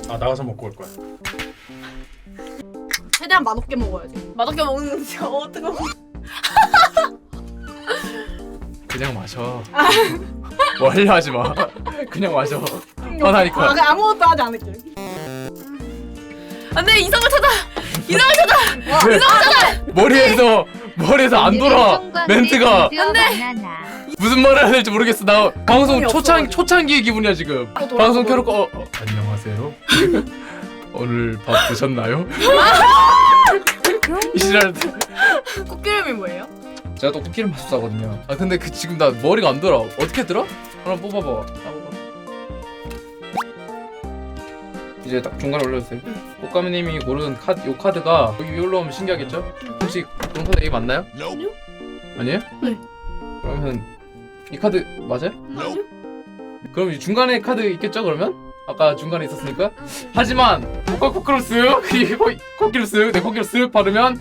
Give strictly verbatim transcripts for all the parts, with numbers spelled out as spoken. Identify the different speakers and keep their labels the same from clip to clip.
Speaker 1: 아 나가서 먹고 올 거야.
Speaker 2: 최대한 맛없게 먹어야지.
Speaker 3: 맛없게 먹는 거 어떻게 먹어?
Speaker 4: 그냥 마셔. 뭐 하려 하지 마. 그냥 마셔. 화나니까.
Speaker 2: 아, 그냥 아무것도 하지 않을게.
Speaker 3: 안돼 이성을 찾아. 이성을 찾아.
Speaker 4: 이성을 찾아. 머리에서 머리에서 안 돌아. 멘트가.
Speaker 3: 안돼.
Speaker 4: 무슨 말을 해야 될지 모르겠어. 나 방송 초창 초창기의 기분이야 지금. 방송 켜놓고 어, 어, 안녕하세요. 오늘 밥 드셨나요? 이 시절
Speaker 3: 꽃기름이 뭐예요?
Speaker 4: 제가 또 코끼리 마술사거든요. 아 근데 그 지금 나 머리가 안 돌아. 어떻게 들어? 하나 뽑아봐. 아, 뽑아. 이제 딱 중간에 올려주세요.
Speaker 3: 응.
Speaker 4: 꽃가미님이 고른 카드, 요 카드가 여기 위에 올라오면 신기하겠죠? 혹시 그런 카드 A 맞나요?
Speaker 3: 아니요.
Speaker 4: 아니에요?
Speaker 3: 네.
Speaker 4: 그러면 이 카드 맞아요?
Speaker 3: 아니요.
Speaker 4: 그럼 이 중간에 카드 있겠죠? 그러면? 아까 중간에 있었으니까. 하지만 코카 코끼로 쓱 이 코- 코끼로 쓱 내 코끼로 쓱 바르면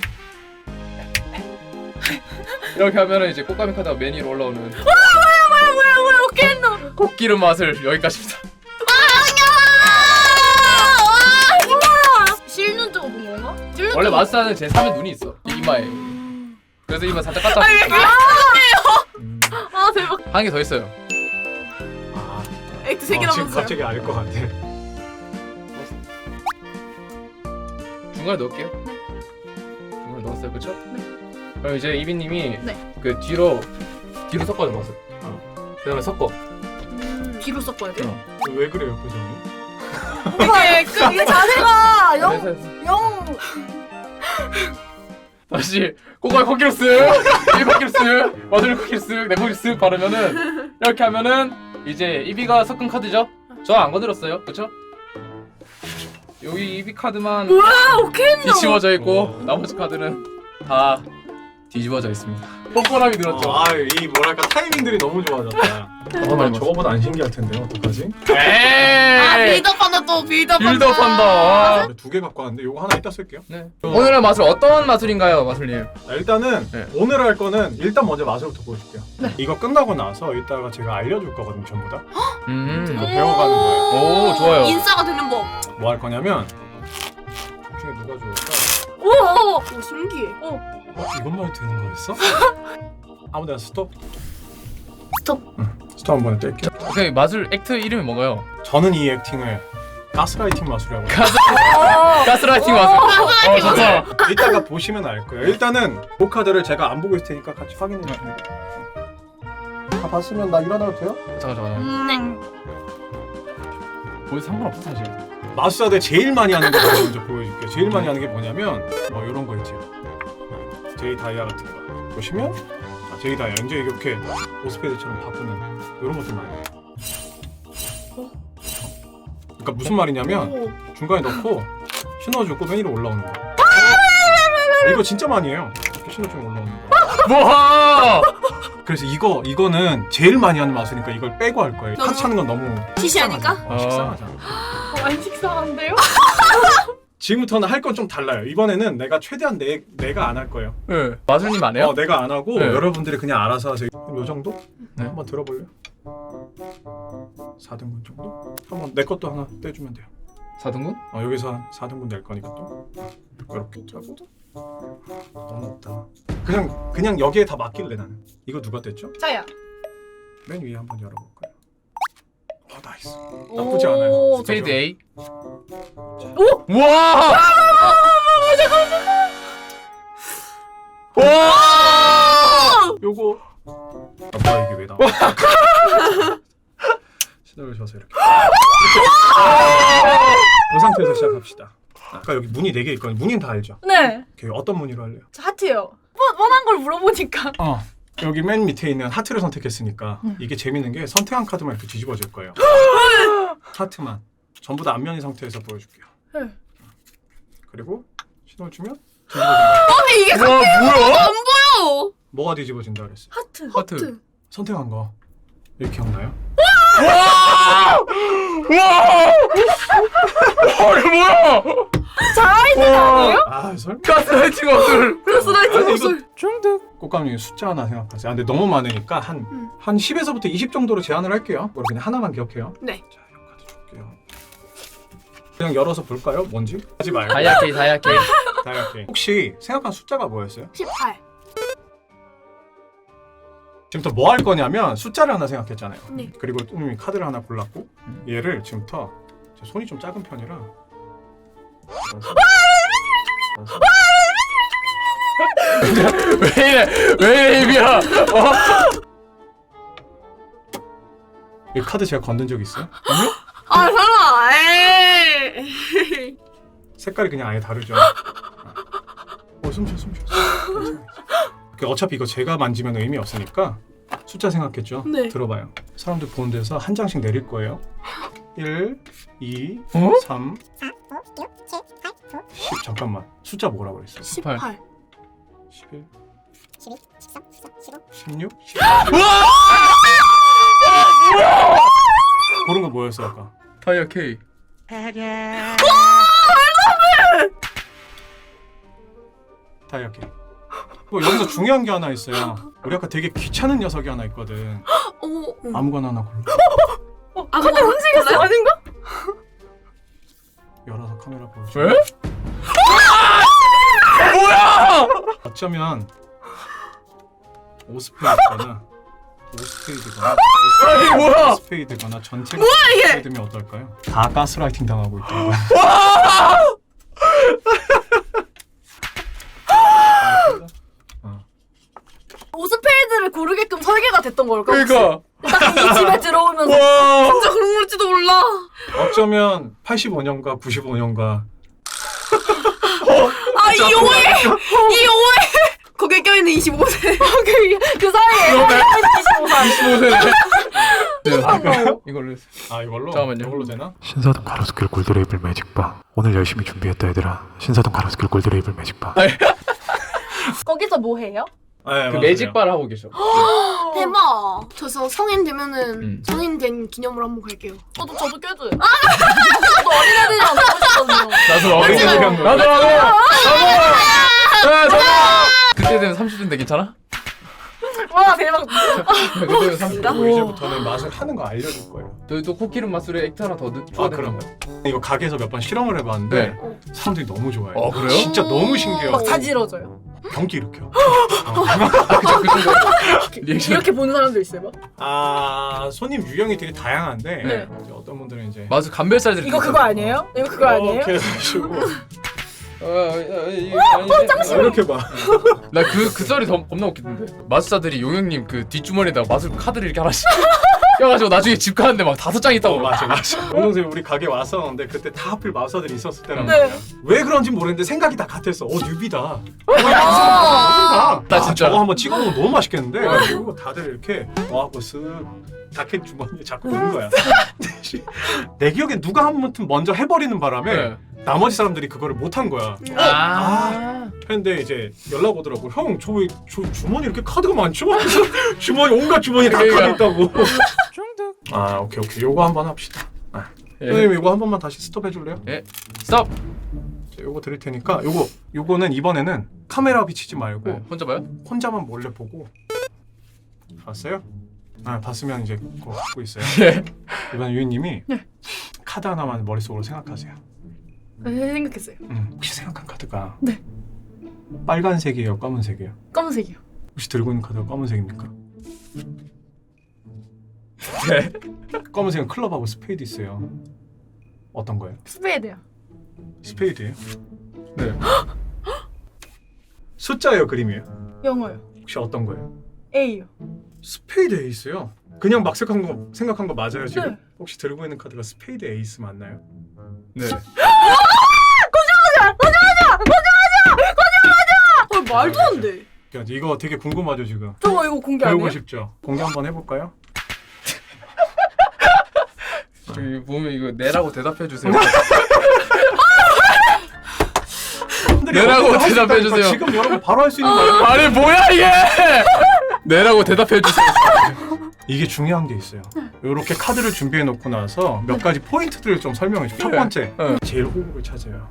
Speaker 4: 이렇게 하면은 이제 꽃가미 카드가 맨 위로 올라오는.
Speaker 3: 뭐야 뭐야 뭐야 뭐야 어떻게 했노?
Speaker 4: 코끼리 맛을 여기까지입니다.
Speaker 3: 실눈 뜨고 본 건가? 실눈
Speaker 4: 원래
Speaker 3: 뜨고.
Speaker 4: 마술사는 제 삼의 눈이 있어. 이 이마에. 그래서 이마 살짝 깠다.
Speaker 3: 아니 왜 그래?
Speaker 1: 음.
Speaker 3: 아 대박.
Speaker 4: 한 개 더 있어요.
Speaker 1: 아,
Speaker 3: 액트 세
Speaker 1: 어,
Speaker 3: 개나
Speaker 1: 지금
Speaker 3: 먹었어요.
Speaker 1: 갑자기 알 것 같아.
Speaker 4: 중간에 넣을게요. 중간에 넣었어요, 그렇죠?
Speaker 3: 네.
Speaker 4: 그럼 이제 이비님이
Speaker 3: 네.
Speaker 4: 그 뒤로 뒤로 섞어줘 마술. 어. 그다음에 섞어.
Speaker 3: 음, 뒤로 섞어야 돼요?
Speaker 4: 어.
Speaker 1: 왜 그래요 표정이?
Speaker 3: 이게 그
Speaker 2: 이게 자세가
Speaker 4: 해서
Speaker 2: 영,
Speaker 4: 해서.
Speaker 2: 영.
Speaker 4: 다시 코코아 코끼리 쓱, 이 코끼리 쓱, 마술 코끼리 쓱, 내 코끼리 쓱 바르면은 이렇게 하면은 이제 이비가 섞은 카드죠? 저 안 건드렸어요, 그렇죠? 여기 이비 카드만
Speaker 3: 우와 오케이 했노.
Speaker 4: 뒤집어져 있고
Speaker 1: 어.
Speaker 4: 나머지 카드는 다 뒤집어져 있습니다. 뻔뻔함이 늘었죠.
Speaker 1: 어, 아이 뭐랄까 타이밍들이 너무 좋아졌다. 어, 난 저거보다 안 신기할 텐데 어떡하지?
Speaker 3: 아
Speaker 4: 에이!
Speaker 3: 빌드업한다 또 빌드업한다.
Speaker 4: 빌드업한다.
Speaker 1: 두 개 갖고 왔는데 요거 하나 이따 쓸게요.
Speaker 4: 네. 오늘의 마술 어떤 마술인가요, 마술님?
Speaker 1: 자, 일단은
Speaker 4: 네.
Speaker 1: 오늘 할 거는 일단 먼저 마술부터 보여줄게요. 이거 끝나고 나서 이따가 제가 알려줄 거거든요, 전부 다.
Speaker 4: 음.
Speaker 1: 이거 배워가는 거예요.
Speaker 4: 오, 좋아요.
Speaker 3: 인싸가 되는 법.
Speaker 1: 뭐 할 거냐면 둘 중에 누가 좋을까?
Speaker 3: 오, 오 신기해. 오.
Speaker 1: 어, 이것만 해도 되는 거였어? 아무데나 스톱.
Speaker 3: 스톱.
Speaker 1: 응, 스톱 한번 뗄게요.
Speaker 4: 오케이, 마술 액트 이름이 뭔가요?
Speaker 1: 저는 이 액팅을 가스라이팅 마술이라고 해요.
Speaker 4: 가스 가스라이팅 마술. 어, 좋다.
Speaker 1: 이따가 보시면 알 거예요. 일단은 그 카드를 제가 안 보고 있을 테니까 같이 확인해 주시면 돼요. 다 봤으면 나 일어나도 돼요?
Speaker 4: 잠깐 잠깐.
Speaker 3: 음.
Speaker 4: 보여 상관없어 사실.
Speaker 1: 마술사들 제일 많이 하는 거 먼저 보여줄게요. 제일 많이 하는 게 뭐냐면 뭐 이런 거 있죠. 제이 다이아 같은 거 보시면 아, 제이 다이아 이제 이렇게 오스페드처럼 바꾸는 이런 것들 많이 해요. 그러니까 무슨 말이냐면
Speaker 3: 오.
Speaker 1: 중간에 넣고 신호주고 맨 위로 올라오는 거. 이거 진짜 많이 해요. 이렇게 신호주고 올라오는 거.
Speaker 4: 뭐하?
Speaker 1: 그래서 이거 이거는 제일 많이 하는 마술이니까 이걸 빼고 할 거예요.
Speaker 3: 너무
Speaker 1: 카드 찾는 건 너무
Speaker 3: 시시하니까?
Speaker 1: 식상하잖아. 어, 식상하잖아.
Speaker 3: 어, 안 식상한데요?
Speaker 1: 지금부터는 할 건 좀 달라요. 이번에는 내가 최대한 내 내가 안 할 거예요.
Speaker 4: 네. 마술님 안 해요?
Speaker 1: 어, 내가 안 하고
Speaker 4: 네.
Speaker 1: 여러분들이 그냥 알아서 하세요. 요 정도?
Speaker 4: 네.
Speaker 1: 한번 들어볼래요? 사 등분 정도? 한번 내 것도 하나 떼주면 돼요.
Speaker 4: 사 등분?
Speaker 1: 어, 여기서 한 사 등분 낼 거니까 또 이렇게 하고 너무 없다. 그냥 그냥 여기에 다 맡길래 나는. 이거 누가 뗐죠?
Speaker 2: 자야.
Speaker 1: 맨 위에 한번 열어볼까요? 어, 나이스. 나쁘지 않아요.
Speaker 3: 오,
Speaker 4: 스페이드 A.
Speaker 3: 오!
Speaker 4: 우와! 와!
Speaker 1: 요거 아 뭐야 이게 왜 나와? 신호를 줘서 이렇게 이 상태에서 시작합시다. 아까 여기 문이 네 개 있거든요. 문인 다 알죠?
Speaker 2: 네.
Speaker 1: 오케이, 어떤 문의로 할래요?
Speaker 2: 저 하트요. 뻔, 뻔한 걸 물어보니까.
Speaker 1: 어 여기 맨 밑에 있는 하트를 선택했으니까 이게 재밌는 게 선택한 카드만 이렇게 뒤집어질 거예요. 하트만 전부 다 앞면인 상태에서 보여줄게요.
Speaker 2: 네.
Speaker 1: 그리고 신호를 주면 뒤집어진다.
Speaker 3: 아니 이게
Speaker 4: 와, 뭐야?
Speaker 3: 안 보여.
Speaker 1: 뭐가 뒤집어진다 그랬어요?
Speaker 2: 하트.
Speaker 4: 하트.
Speaker 1: 선택한 거 이렇게 기억나요?
Speaker 4: 와! 와! 와, 이거 뭐야?
Speaker 2: 자아있는 아니에요?
Speaker 1: 아 설마?
Speaker 4: 가스라이팅 마술.
Speaker 3: 가스라이팅
Speaker 1: 아니,
Speaker 3: 마술.
Speaker 1: 중득 꽃감이 숫자 하나 생각하세요. 아, 근데 너무 많으니까 한
Speaker 3: 음.
Speaker 1: 한 십에서부터 이십 정도로 제한을 할게요. 그럼 그냥 하나만 기억해요.
Speaker 3: 네.
Speaker 1: 자, 이 카드 줄게요. 그냥 열어서 볼까요? 뭔지? 하지 말고.
Speaker 4: 다이아 케이 다이아 케이.
Speaker 1: 다이아 케이. 혹시 생각한 숫자가 뭐였어요?
Speaker 2: 십팔.
Speaker 1: 지금부터 뭐 할 거냐면 숫자를 하나 생각했잖아요.
Speaker 2: 네.
Speaker 1: 그리고 뚜님이 카드를 하나 골랐고 얘를 지금부터 제 손이 좀 작은 편이라
Speaker 4: 왜 이래 왜 이래 이비야. 어?
Speaker 1: 이 카드 제가 건든 적 있어요?
Speaker 3: 아 설마. 에이.
Speaker 1: 색깔이 그냥 아예 다르죠. 어, 숨쉬어 숨쉬어. 그 어차피 이거 제가 만지면 의미 없으니까 숫자 생각했죠?
Speaker 3: 네.
Speaker 1: 들어봐요. 사람들 보는 데서 한 장씩 내릴 거예요. 일, 이,
Speaker 4: 어?
Speaker 1: 삼, 십. 잠깐만. 숫자 뭐라고 그랬어?
Speaker 4: 십팔.
Speaker 3: 십팔.
Speaker 1: 십일,
Speaker 5: 십이, 십삼, 십사, 십오.
Speaker 1: 십육, 십팔. 고른 거 뭐였어 아까?
Speaker 4: 다이아 케이.
Speaker 1: 다이아키. 뭐 여기서 중요한 게 하나 있어요. 우리 아까 되게 귀찮은 녀석이 하나 있거든.
Speaker 3: 어.
Speaker 1: 아무거나 하나 골라.
Speaker 3: 어. 아 근데 움직였어 아닌가?
Speaker 1: 열어서 카메라 보여줘.
Speaker 4: 왜? 뭐야?
Speaker 1: 어쩌면 오스페이드거나 오스페이드거나
Speaker 4: 아니 뭐야?
Speaker 1: 오스페이드거나 전체가 오스페이드면 어떨까요? 다 가스라이팅 당하고 있다고.
Speaker 2: 오스페이드를 고르게끔 설계가 됐던 걸까?
Speaker 4: 그러니까.
Speaker 2: 딱이 집에 들어오면서
Speaker 4: 와.
Speaker 3: 진짜 그런 걸지도 몰라.
Speaker 1: 어쩌면 팔십오 년과 구십오 년과
Speaker 3: 아 이 오해. 이 오해. 거기에 껴있는 이십오 세.
Speaker 2: 그, 그 사이에
Speaker 4: 그러네.
Speaker 2: 이십오 살.
Speaker 4: 이십오 세네. 이걸로.
Speaker 1: 아 이걸로?
Speaker 4: 잠깐만요.
Speaker 1: 이걸로 되나?
Speaker 6: 신사동 가로수길 골드레이블 매직바. 오늘 열심히 준비했다 얘들아. 신사동 가로수길 골드레이블 매직바.
Speaker 2: 거기서 뭐 해요?
Speaker 1: 네,
Speaker 4: 그 매직바를 하고 계셔.
Speaker 3: 대박. 저서 성인 되면은
Speaker 4: 음.
Speaker 3: 성인 된 기념으로 한번 갈게요.
Speaker 2: 저도 저도 껴줘요. 저도 어린애들이랑 놀고 싶거든요.
Speaker 4: 나도
Speaker 1: 하지만-
Speaker 4: 나도 나도 나도 나도. 그때 되면 삼십 대인데 괜찮아?
Speaker 2: 와 대박.
Speaker 4: 그때 되면 삼십 대.
Speaker 1: 그리고 이제부터는 맛을 하는 거 알려줄 거예요.
Speaker 4: 저희도 코끼리 맛술에 액트 하나 더 넣.
Speaker 1: 아 그럼 이거 가게에서 몇 번 실험을 해봤는데
Speaker 4: 네.
Speaker 1: 사람들이 너무 좋아해요.
Speaker 4: 어, 그래요?
Speaker 1: 진짜 너무 신기해요.
Speaker 2: 막 자지러져요.
Speaker 1: 경기 일으켜.
Speaker 4: 그쵸 그쵸. 리액션.
Speaker 2: 이렇게 보는 사람도 있어요. 막.
Speaker 1: 아 손님 유형이 되게 다양한데
Speaker 2: 네.
Speaker 1: 이제 어떤 분들은 이제
Speaker 4: 맞아 감별살들이.
Speaker 2: 이거 그거 아니에요? 이거 그거 아니에요?
Speaker 1: 이렇게 해가지고
Speaker 4: 어,
Speaker 1: 이렇게 봐.
Speaker 4: 나그 그 썰이 더 겁나 웃기던데. 마술사들이 용영님 그 뒷주머니에다가 마술 카드를 이렇게 하나씩 껴가지고 나중에 집 가는데 막 다섯 장 있다고.
Speaker 1: 어, 맞아 맞아. 원동생 우리 가게 왔었는데 그때 다 하필 마우사들이 있었을 때란
Speaker 2: 네.
Speaker 1: 말이야. 왜 그런지 모르겠는데 생각이 다 같았어. 어 뉴비다. 어, 야,
Speaker 4: 나
Speaker 1: 아,
Speaker 4: 진짜.
Speaker 1: 저거 한번 찍어보면 너무 맛있겠는데. 그래가지고 다들 이렇게 와하고 쓱 자켓 주머니에 자꾸 넣는 거야. 내 기억에 누가 한 번쯤 먼저 해버리는 바람에
Speaker 4: 네.
Speaker 1: 나머지 사람들이 그거를 못한 거야.
Speaker 4: 아.
Speaker 1: 했는데 이제 연락 오더라고. 형, 저 왜 저 주머니 이렇게 카드가 많죠? 그래서 주머니 온갖 주머니 다 카드 있다고. 아 오케이 오케이 요거 한번 합시다. 아.
Speaker 4: 예.
Speaker 1: 선생님 이거 한 번만 다시 스톱 해줄래요?
Speaker 4: 예. 스톱.
Speaker 1: 자, 요거 드릴 테니까 요거 요거는 이번에는 카메라 비치지 말고
Speaker 4: 네. 혼자 봐요?
Speaker 1: 혼자만 몰래 보고 봤어요? 아 봤으면 이제 그거 갖고 있어요.
Speaker 4: 예.
Speaker 1: 이번 유인님이
Speaker 2: 네.
Speaker 1: 카드 하나만 머릿속으로 생각하세요.
Speaker 2: 네, 생각했어요.
Speaker 1: 음, 혹시 생각한 카드가
Speaker 2: 네.
Speaker 1: 빨간색이에요, 검은색이에요?
Speaker 2: 검은색이요.
Speaker 1: 혹시 들고 있는 카드가 검은색입니까?
Speaker 4: 네.
Speaker 1: 검은색은 클럽하고 스페이드 있어요. 어떤 거예요?
Speaker 2: 스페이드요.
Speaker 1: 스페이드예요?
Speaker 4: 네.
Speaker 1: 숫자예요, 그림이에요?
Speaker 2: 영어요.
Speaker 1: 혹시 어떤 거예요?
Speaker 2: A요.
Speaker 1: 스페이드 에이스요? 그냥 막 생각한 거, 생각한 거 맞아요 지금?
Speaker 2: 네.
Speaker 1: 혹시 들고 있는 카드가 스페이드 에이스 맞나요?
Speaker 4: 네.
Speaker 3: 어 말도 안 돼.
Speaker 1: 그러니까 이거 되게 궁금하죠 지금?
Speaker 2: 저거 이거 공개
Speaker 1: 배우고
Speaker 2: 아니에요?
Speaker 1: 싶죠? 공개 한번 해볼까요?
Speaker 4: 저기 보면 이거 네라고 대답해 주세요. 네라고 대답해 주세요.
Speaker 1: 지금 여러분 바로 할 수 있는 거예요.
Speaker 4: 아니 뭐야 이게? 네라고 대답해 주세요.
Speaker 1: 이게 중요한 게 있어요. 이렇게 카드를 준비해 놓고 나서 몇 가지 포인트들을 좀 설명해 줘. 첫
Speaker 4: 네.
Speaker 1: 번째,
Speaker 4: 네.
Speaker 1: 제일 호구를 찾아요.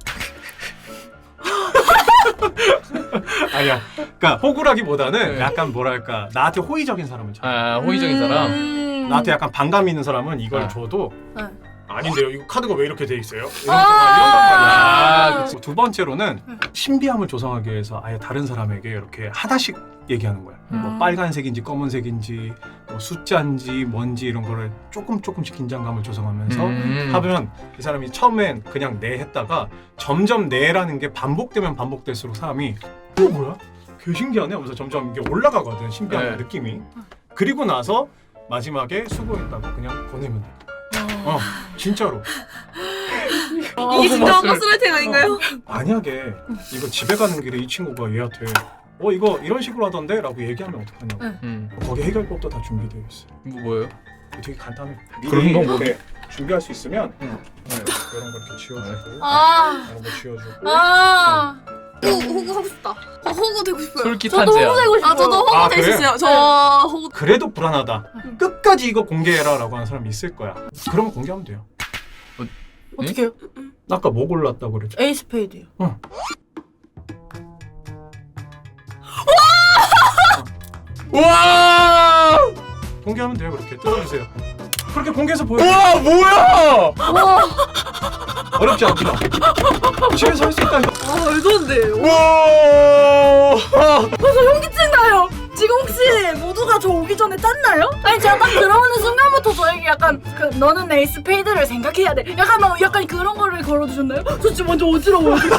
Speaker 1: 아니야. 그러니까 호구라기보다는
Speaker 4: 네.
Speaker 1: 약간 뭐랄까 나한테 호의적인 사람을 찾아.
Speaker 4: 아 호의적인 사람.
Speaker 2: 음...
Speaker 1: 나한테 약간 반감 있는 사람은 이걸
Speaker 4: 아.
Speaker 1: 줘도
Speaker 2: 네.
Speaker 1: 아 아닌데요. 이거 카드가 왜 이렇게 돼 있어요? 이런
Speaker 2: 아.
Speaker 1: 아,
Speaker 4: 아,
Speaker 1: 그치. 두 번째로는 신비함을 조성하기 위해서 아예 다른 사람에게 이렇게 하나씩 얘기하는 거야.
Speaker 3: 음.
Speaker 1: 뭐 빨간색인지 검은색인지 뭐 숫자인지 뭔지 이런 거를 조금 조금씩 긴장감을 조성하면서
Speaker 4: 음.
Speaker 1: 하면 이 사람이 처음엔 그냥 네 했다가 점점 네라는 게 반복되면 반복될수록 사람이 어 뭐야? 개 신기하네 하면서 점점 이게 올라가거든 신비한
Speaker 4: 네.
Speaker 1: 느낌이. 그리고 나서 마지막에 수고했다고 그냥 보내면 돼. 어 진짜로.
Speaker 3: 이게 진짜 가스라이팅 아닌가요?
Speaker 1: 만약에 이거 집에 가는 길에 이 친구가 얘한테 어 이거 이런 식으로 하던데? 라고 얘기하면 어떡하냐고.
Speaker 4: 음.
Speaker 1: 거기 해결법도 다 준비되어 있어.
Speaker 4: 뭐 뭐예요?
Speaker 1: 되게 간단해.
Speaker 4: 그런
Speaker 1: 미리
Speaker 4: 건 뭐-
Speaker 1: 이렇게 준비할 수 있으면
Speaker 4: 응.
Speaker 1: 네, 이런 거 이렇게 지워주고
Speaker 2: 아,
Speaker 1: 이런 거 지워주고
Speaker 2: 아,
Speaker 3: 호구 호구 하고 싶다. 어, 호구 되고 싶어요.
Speaker 4: 솔깃
Speaker 2: 저도
Speaker 4: 한제야.
Speaker 2: 호구 되고 싶어요.
Speaker 3: 아 저도 호구
Speaker 1: 아,
Speaker 3: 될 수
Speaker 1: 그래?
Speaker 3: 있어요. 저 호구.
Speaker 1: 그래도 불안하다. 끝까지 이거 공개해라 라고 하는 사람이 있을 거야. 그럼 공개하면 돼요.
Speaker 3: 어떻게요?
Speaker 1: 아까 뭐 골랐다고 그랬죠?
Speaker 3: 에이스 스페이드요.
Speaker 1: 어.
Speaker 4: 와!
Speaker 1: 공개하면 돼요. 그렇게 뜯어주세요. 그렇게 공개해서 보여줘.
Speaker 4: 와 뭐야?
Speaker 1: 어렵지 않구나. 집에서 할 수 있다니까.
Speaker 3: 아 말도 안 돼.
Speaker 4: 와!
Speaker 3: 현기증 나요. 지금 혹시 모두가 저 오기 전에 짰나요?
Speaker 2: 아니 제가 딱 들어오는 순간부터 저에게 약간 그 너는 에이스 스페이드를 생각해야 돼. 약간 막 약간 그런 거를 걸어주셨나요? 저 지금 완전 어지러워요. 진짜.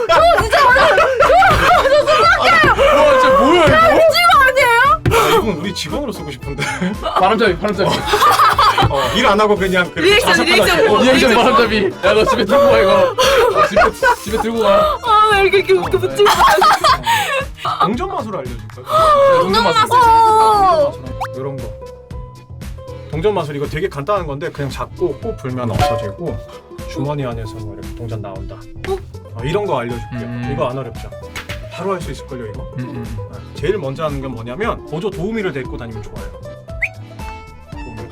Speaker 4: 와 진짜 뭐야 이거?
Speaker 1: 아, 이건 우리 직원으로 쓰고 싶은데.
Speaker 4: 바람잡이 바람잡이.
Speaker 1: 어, 일 안 하고 그냥 그
Speaker 3: 리액션,
Speaker 1: 자석하다
Speaker 3: 리액션.
Speaker 1: 쓰고.
Speaker 4: 리액션 바람잡이. 야 너 집에 들고 가 이거. 어, 집에 집에 들고 가.
Speaker 3: 아 왜 이렇게 이렇게 붙이고
Speaker 1: 동전 마술 알려줄까요?
Speaker 4: 동전 맛.
Speaker 1: 이런 거. 동전 마술 이거 되게 간단한 건데 그냥 잡고 꼭 불면 없어지고 주머니 안에서 뭐 이렇게 동전 나온다. 어, 이런 거 알려줄게요.
Speaker 4: 음.
Speaker 1: 이거 안 어렵죠? 바로 할 수 있을걸요 이거?
Speaker 4: 음, 음.
Speaker 1: 아, 제일 먼저 하는 건 뭐냐면 보조 도우미를 데리고 다니면 좋아요. 도우미.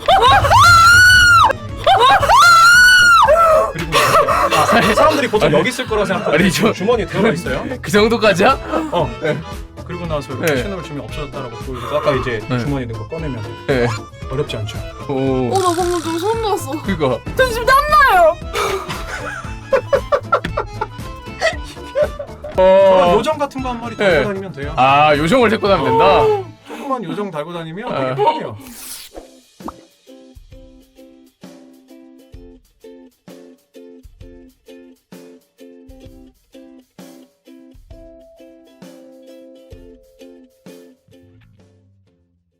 Speaker 1: 그리고 아, 사람들이 보통 여기 있을 거라 생각하고
Speaker 4: 아니, 저-
Speaker 1: 주머니에 들어가 있어요.
Speaker 4: 그 정도까지야?
Speaker 1: 어. 그리고 나서 이렇게
Speaker 4: 네.
Speaker 1: 신호를 주면 없어졌다라고 보여주고 아까 이제
Speaker 4: 네.
Speaker 1: 주머니에 넣은 거 꺼내면 돼.
Speaker 4: 네.
Speaker 1: 어렵지 않죠?
Speaker 4: 오.
Speaker 3: 어나 방금 좀 소름 돋았어.
Speaker 4: 그거.
Speaker 2: 지금 땀나요.
Speaker 1: 저런
Speaker 4: 어.
Speaker 1: 요정 같은 거 한 마리
Speaker 4: 네.
Speaker 1: 달고 다니면 돼요.
Speaker 4: 아 요정을 데리고 다니면 된다.
Speaker 1: 조그만 요정 달고 다니면
Speaker 4: 어.
Speaker 1: 되게 편해요.